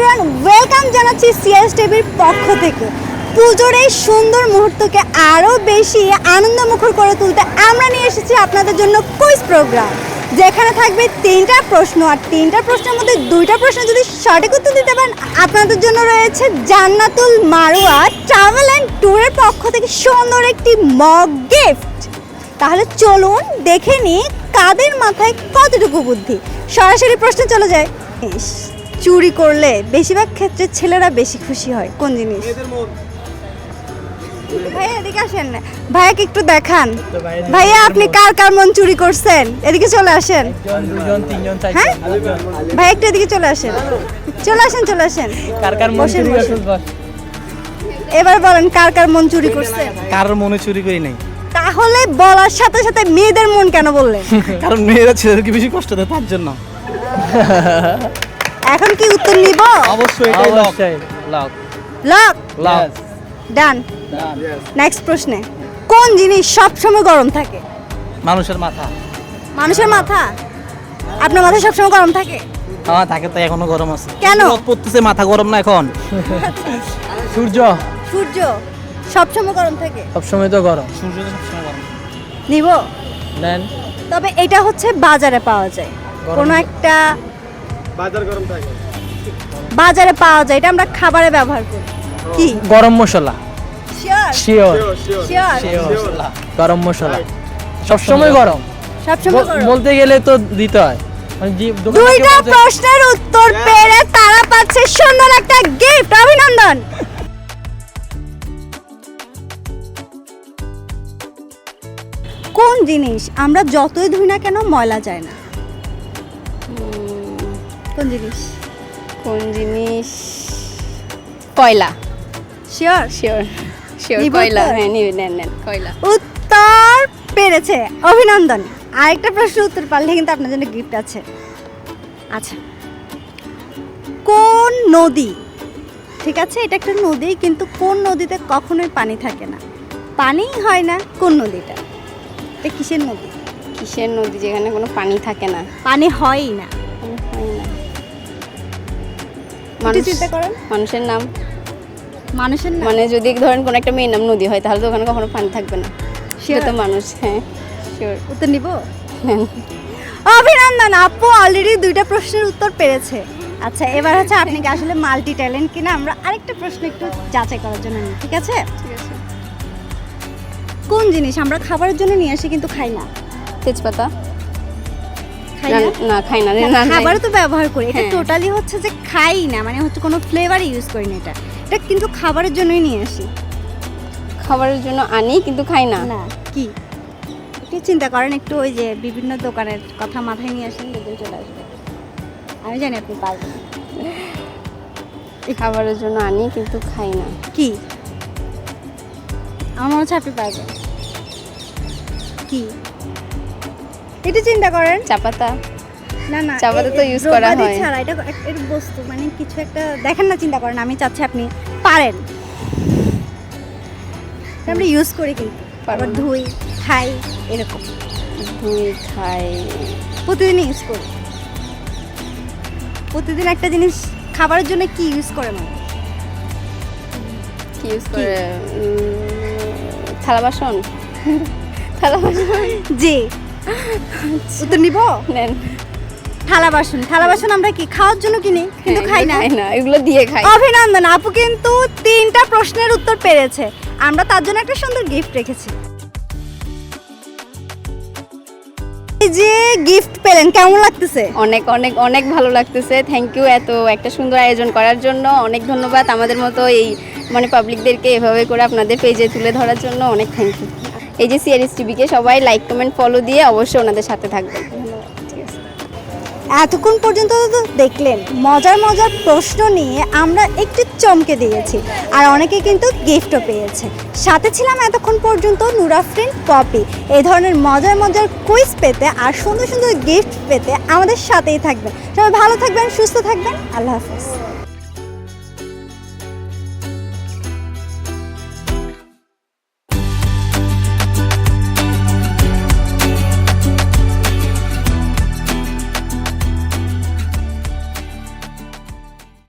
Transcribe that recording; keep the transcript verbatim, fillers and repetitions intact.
Everyone, welcome জানাচ্ছি CS টিভির পক্ষ থেকে। পুজোর এই সুন্দর মুহূর্তকে আরও বেশি আনন্দমুখর করে তুলতে আমরা নিয়ে এসেছি আপনাদের জন্য কুইজ প্রোগ্রাম, যেখানে থাকবে তিনটা প্রশ্ন। আর তিনটা প্রশ্নের মধ্যে দুইটা প্রশ্ন যদি সঠিক উত্তর দিতে পারেন, আপনাদের জন্য রয়েছে জান্নাতুল মারওয়া ট্রাভেল অ্যান্ড ট্যুরের পক্ষ থেকে সুন্দর একটি মগ গিফট। তাহলে চলুন দেখে নিই কাদের মাথায় কতটুকু বুদ্ধি। সরাসরি প্রশ্ন চলে যায়। চুরি করলে বেশিরভাগ ক্ষেত্রে ছেলেরা বেশি খুশি হয় কোন জিনিস? ভাইয়া এদিকে আসেন, ভাইয়াকে একটু দেখান। ভাইয়া আপনি কার কার মন চুরি করছেন? এদিকে চলে আসেন। হ্যাঁ ভাই একটু এদিকে চলে আসেন, চলে আসেন চলে আসেন। কার কার মন চুরি করছেন? এবার বলেন কার কার মন চুরি করছেন? কারোর মনে চুরি করি নাই। তাহলে বলার সাথে সাথে মেয়েদের মন কেন বললেন? কারণ মেয়েরা ছেলেদেরকে বেশি কষ্ট দেয় তার জন্য। এখন কি উত্তর নিব? অবশ্যই এটাই lock lock lock lock done. Next প্রশ্নে, কোন জিনিস সব সময় গরম থাকে? মানুষের মাথা। মানুষের মাথা? আপনার মাথা সব সময় গরম থাকে? আমার থাকে তো এখনো গরম আছে। কেন? রোদ পড়তেছে, মাথা গরম না এখন। সূর্য সূর্য সব সময় গরম থাকে? সব সময় তো গরম। সূর্য তো সব সময় গরম। নিব দেন। তবে এটা হচ্ছে বাজারে পাওয়া যায়, কোনো একটা বাজার গরম থাকে। বাজারে পাওয়া যায়, এটা আমরা খাবারে ব্যবহার করি। কি? গরম মশলা। শিওর শিওর শিওর শিওর গরম মশলা সব সময় গরম। সব সময় গরম। বলতে গেলে তো দিতে হয়। মানে দুইটা প্রশ্নের উত্তর পেরে তারা পাচ্ছে সুন্দর একটা গিফট। অভিনন্দন। কোন জিনিস আমরা যতই ধুই না কেন ময়লা যায় না? কোন জিনিস? কোন জিনিস? কয়লা। শিওর শিওর শিওর নিব কয়লা। উত্তর? হ্যাঁ নিবে, নেন নেন কয়লা। উত্তর পেরেছে, অভিনন্দন। আরেকটা প্রশ্ন উত্তর পারলে কিন্তু আপনার জন্য গিফট আছে। আচ্ছা, কোন নদী, ঠিক আছে এটা একটা নদী, কিন্তু কোন নদীতে কখনোই পানি থাকে না? পানিই হয় না, কোন নদীটা? এটা কিসের নদী? কিসের নদী যেখানে কোনো পানি থাকে না? পানি হয়ই না। পানি হয় না। একটু মানুষ, চিন্তা করেন। মানুষের নাম। মানুষের না? মানে যদি ধরেন কোনো একটা মেয়ের নাম নদী হয় তাহলে তো ওখানে কখনো পানি থাকবে না। সেটা তো মানুষ। হ্যাঁ শিওর। উত্তর নিব? অভিনন্দন, আপু অলরেডি দুইটা প্রশ্নের উত্তর পেরেছে। আচ্ছা, এবার হচ্ছে আপনি কি আসলে মাল্টি ট্যালেন্ট কিনা আমরা আরেকটা প্রশ্ন একটু যাচাই করার জন্য নিই, ঠিক আছে? ঠিক আছে। কোন জিনিস আমরা খাবারের জন্য নিয়ে আসি কিন্তু খাই না? তেজপাতা। খাই না? না, না খাই না। না, না, খাবারে তো ব্যবহার করি, এটা হ্যাঁ। টোটালি হচ্ছে যে খাই না, মানে হচ্ছে কোনো ফ্লেভার ইউজ করি না। এটা এটা কিন্তু খাবারের জন্যই নিয়ে আসি। খাবারের জন্য আনি কিন্তু খাই না। না কি? একটু চিন্তা করেন, একটু ওই যে বিভিন্ন দোকানের কথা মাথায় নিয়ে আসেন, দেখবেন চলে আসবে। আমি জানি আপনি পারবেন। খাবারের জন্য আনি কিন্তু খাই না। কি? আমার মনে হচ্ছে আপনি পারবেন। কি? একটু চিন্তা করেন। চা পাতা। না না, চা পাতা এ- তো এ use করা দ্রব্যাদি হয়। ছাড়া এটা এক- এর বস্তু, মানে কিছু একটা দেখেন না, চিন্তা করেন। আমি চাচ্ছি আপনি পারেন। এটা আমরা ইউজ করি কিন্তু, পারবো আবার না। ধুই, খাই, এরকম ধুই, খাই। প্রতিদিন ইউজ করি। প্রতিদিন একটা জিনিস খাবারের জন্য কি ইউজ করে মানে? কি ইউজ করে? উম, থালা বাসন। থালা বাসন। জি, উত্তর নিব। নেন। থালা বাসন। থালা বাসন আমরা কি খাওয়ার জন্য কিনি কিন্তু হ্যাঁ, খাই এগুলো না। খাই না, এগুলো দিয়ে খাই। অভিনন্দন, আপু কিন্তু তিনটা প্রশ্নের উত্তর পেরেছে। আমরা তার জন্য একটা সুন্দর গিফট রেখেছি। এই যে গিফট পেলেন, কেমন লাগতেছে? অনেক অনেক অনেক ভালো লাগতেছে। থ্যাংক ইউ এত একটা সুন্দর আয়োজন করার জন্য। অনেক ধন্যবাদ আমাদের মতো এই মানে পাবলিকদেরকে এভাবে করে আপনাদের পেজে তুলে ধরার জন্য। অনেক থ্যাংক ইউ। এই যে সিআরএস টিভিকে সবাই লাইক কমেন্ট ফলো দিয়ে অবশ্যই ওনাদের সাথে থাকবেন। ঠিক আছে। এতক্ষণ পর্যন্ত তো দেখলেন মজার মজার প্রশ্ন নিয়ে আমরা একটু চমকে দিয়েছি, আর অনেকে কিন্তু গিফটও পেয়েছে। সাথে ছিলাম এতক্ষণ পর্যন্ত নুরাফরিন পপি। এই ধরনের মজার মজার কুইজ পেতে আর সুন্দর সুন্দর গিফট পেতে আমাদের সাথেই থাকবেন। সবাই ভালো থাকবেন, সুস্থ থাকবেন। আল্লাহ হাফেজ।